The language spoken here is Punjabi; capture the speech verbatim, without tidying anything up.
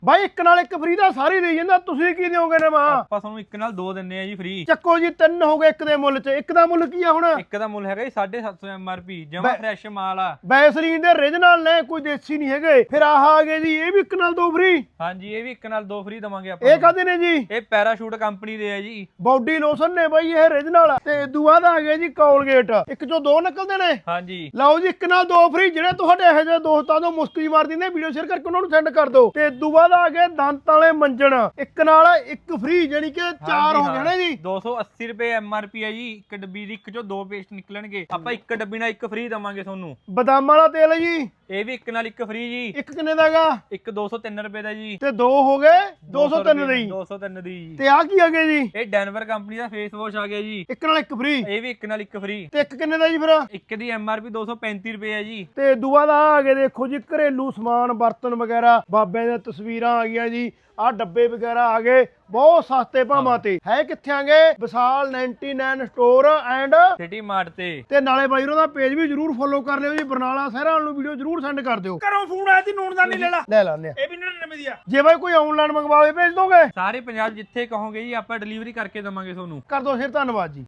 ਬਾਈ ਇੱਕ ਨਾਲ ਇੱਕ ਫ੍ਰੀ ਦਾ ਸਾਰੀ ਦੇ ਜਾਂਦਾ, ਤੁਸੀਂ ਕੀ ਦਿਓਗੇ ਨੇ ਮਾਂ? ਆਪਾਂ ਤੁਹਾਨੂੰ ਇੱਕ ਨਾਲ ਦੋ ਦਿੰਨੇ ਆ ਜੀ ਫ੍ਰੀ। ਚੱਕੋ ਜੀ, ਤਿੰਨ ਹੋ ਗਏ ਇੱਕ ਦੇ ਮੁੱਲ 'ਚ। ਇੱਕ ਦਾ ਮੁੱਲ ਕੀ ਆ ਹੁਣ? ਇੱਕ ਦਾ ਮੁੱਲ ਹੈਗਾ ਜੀ ਸਾਢੇ ਸੱਤ ਸੌ ਐਮ ਆਰ ਪੀ, ਜਮਾ ਫਰੈਸ਼ ਮਾਲ ਆ। ਬੈਸਲੀਨ ਦੇ ਰੀਜਨਲ ਨੇ, ਕੋਈ ਦੇਸੀ ਨਹੀਂ ਹੈਗੇ। ਫਿਰ ਆਹ ਆ ਗਏ ਜੀ, ਇਹ ਵੀ ਇੱਕ ਨਾਲ ਦੋ ਫ੍ਰੀ। ਹਾਂਜੀ, ਇਹ ਵੀ ਇੱਕ ਨਾਲ ਦੋ ਫ੍ਰੀ ਦਵਾਂਗੇ ਆਪਾਂ। ਇਹ ਕਾਹਦੇ ਨੇ ਜੀ? ਇਹ ਪੈਰਾਸ਼ੂਟ ਕੰਪਨੀ ਦੇ ਆ ਜੀ। ਬਾਡੀ ਲੋਸ਼ਨ ਨੇ ਬਾਈ ਇਹ ਰੀਜਨਲ। ਤੇ ਇਦੋਂ ਬਾਅਦ ਆ ਗਏ ਜੀ ਕੋਲਗੇਟ, ਇੱਕ ਚੋਂ ਦੋ ਨਿਕਲਦੇ ਨੇ। ਹਾਂਜੀ, ਲਓ ਜੀ, ਇੱਕ ਨਾਲ ਦੋ ਫ੍ਰੀ। ਜਿਹੜੇ ਤੁਹਾਡੇ ਇਹੋ ਜਿਹੇ ਦੋਸਤਾਂ ਤੋਂ ਮੁਸਕੀ ਮਾਰ ਦਿੰਦੇ, ਵੀਡੀਓ ਸ਼ੇਅਰ ਕਰਕੇ ਉਹਨਾਂ ਨੂੰ ਸੈਂਡ ਕਰ ਦਿਓ। ਤੇ ਇਦੋਂ ਬਾਅਦ ਆ ਗਏ ਦੰਤ ਵਾਲੇ ਮੰਜਣ, ਇੱਕ ਨਾਲ ਇੱਕ ਫ੍ਰੀ, ਜਾਨੀ ਕਿ ਚਾਰ ਹੋ ਗਏ ਨੇ ਜੀ। ਦੋ ਸੌ ਅੱਸੀ ਰੁਪਏ ਐਮ ਆਰ ਪੀ ਹੈ ਜੀ ਇੱਕ ਡੱਬੀ ਦੀ। ਇੱਕ ਚੋਂ ਦੋ ਪੇਸਟ ਨਿਕਲਣਗੇ, ਆਪਾਂ ਇੱਕ ਡੱਬੀ ਨਾਲ ਇੱਕ ਫ੍ਰੀ ਦਵਾਂਗੇ ਤੁਹਾਨੂੰ। ਬਦਾਮਾਂ ਵਾਲਾ ਤੇਲ ਜੀ, ਇਹ ਵੀ ਇੱਕ ਨਾਲ ਇੱਕ ਫ੍ਰੀ ਜੀ। ਇੱਕ ਕਿੰਨੇ ਦਾ ਹੈਗਾ? ਇੱਕ ਦੋ ਸੌ ਤਿੰਨ ਰੁਪਏ ਦਾ ਜੀ। ਤੇ ਦੋ ਹੋ ਗਏ ਦੋ ਸੌ ਤਿੰਨ ਦੇ ਜੀ। ਦੋ ਸੌ ਤਿੰਨ ਦੀ ਜੀ। ਤੇ ਆ ਕੀ ਆ ਗਏ ਜੀ? ਇਹ ਡੈਨਵਰ ਕੰਪਨੀ ਦਾ ਫੇਸ ਵਾਸ਼ ਆ ਗਿਆ ਜੀ, ਇੱਕ ਨਾਲ ਇੱਕ ਫ੍ਰੀ। ਇਹ ਵੀ ਇੱਕ ਨਾਲ ਇੱਕ ਫ੍ਰੀ। ਤੇ ਇੱਕ ਕਿੰਨੇ ਦਾ ਜੀ ਫਿਰ? ਇੱਕ ਦੀ ਐਮ ਆਰ ਪੀ ਦੋ ਸੌ ਪੈਂਤੀ ਰੁਪਏ ਹੈ ਜੀ। ਤੇ ਦੂਆ ਦਾ ਆ ਗਏ, ਦੇਖੋ ਜੀ, ਘਰੇਲੂ ਸਮਾਨ, ਬਰਤਨ ਵਗੈਰਾ, ਬਾਬਿਆਂ ਦੀਆਂ ਤਸਵੀਰਾਂ ਆ ਗਈਆਂ ਜੀ, ਆਹ ਡੱਬੇ ਵਗੈਰਾ ਆ ਗਏ, ਬਹੁਤ ਸਸਤੇ ਭਾਵਾਂ ਤੇ। ਹੈ ਕਿੱਥੇ ਆਂਗੇ? ਵਿਸ਼ਾਲ ਨਿਨਆਨਵੇਂ ਸਟੋਰ ਐਂਡ ਸਿਟੀ ਮਾਰਟ ਤੇ। ਤੇ ਨਾਲੇ ਬਾਈ ਉਹਨਾਂ ਦਾ ਪੇਜ ਵੀ ਜਰੂਰ ਫੋਲੋ ਕਰ ਲਿਓ ਜੀ। ਬਰਨਾਲਾ ਸ਼ਹਿਰਾਂ ਨੂੰ ਵੀਡੀਓ ਜਰੂਰ ਸੈਂਡ ਕਰ ਦਿਓ। ਘਰੋਂ ਫੋਨ ਆਇਆ ਸੀ, ਨੂਨਦਾਨੀ ਲੈ ਲਾ। ਲੈ ਲੈਣੇ। ਇਹ ਵੀ ਨੜਿਨਵੇਂ ਦੀ ਆ। ਜੇ ਬਾਈ ਕੋਈ ਆਨਲਾਈਨ ਮੰਗਵਾਵੇ ਭੇਜ ਦੋਗੇ? ਸਾਰੇ ਪੰਜਾਬ ਜਿੱਥੇ ਕਹੋਗੇ ਜੀ ਆਪਾਂ ਡਿਲੀਵਰੀ ਕਰਕੇ ਦਵਾਂਗੇ ਤੁਹਾਨੂੰ। ਕਰ ਦੋ ਫਿਰ, ਧੰਨਵਾਦ ਜੀ।